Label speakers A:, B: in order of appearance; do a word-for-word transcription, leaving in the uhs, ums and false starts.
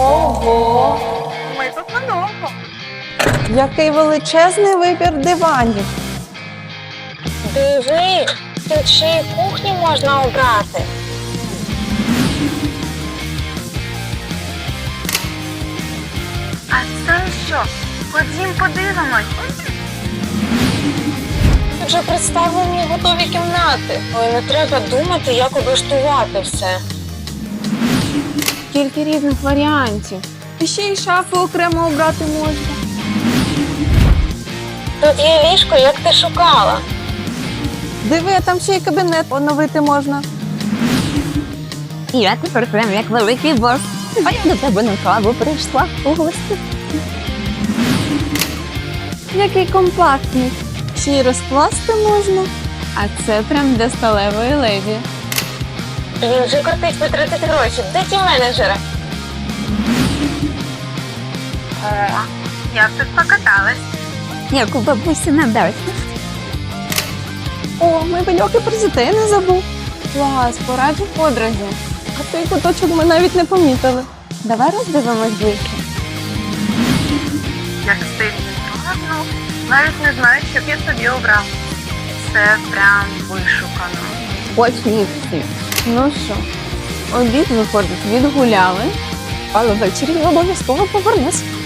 A: Ого!
B: Ми тут надовго.
A: Який величезний вибір диванів.
C: Диви, тут ще й кухню можна обрати.
B: А це що? Ходім подивимось.
C: Тут вже представлені готові кімнати. Ой, не треба думати, як облаштувати все.
A: Скільки різних варіантів. І ще й шафи окремо обрати можна.
C: Тут є ліжко, як ти шукала.
A: Диви, там ще й кабінет оновити можна.
D: І я тепер прям як великий бос. А я до тебе на каву прийшла у гості.
A: Який компактний. Ще й розкласти можна. А це прям для сталевої леді.
C: Він вже кортить витратити гроші. Де ті менеджери?
B: Як тут покатались?
D: Як у бабусі на дачі.
A: О, мебельок і про дітей не забув. Клас, пораджу подрузі. А той куточок ми навіть не помітили. Давай роздивимось ближче.
B: Як стильно гарно. Навіть не знаю, що б я собі обрав. Це прям вишукано.
D: Очень всі.
A: Ну що, обід, виходить, відгуляли, але ввечері обов'язково повернусь.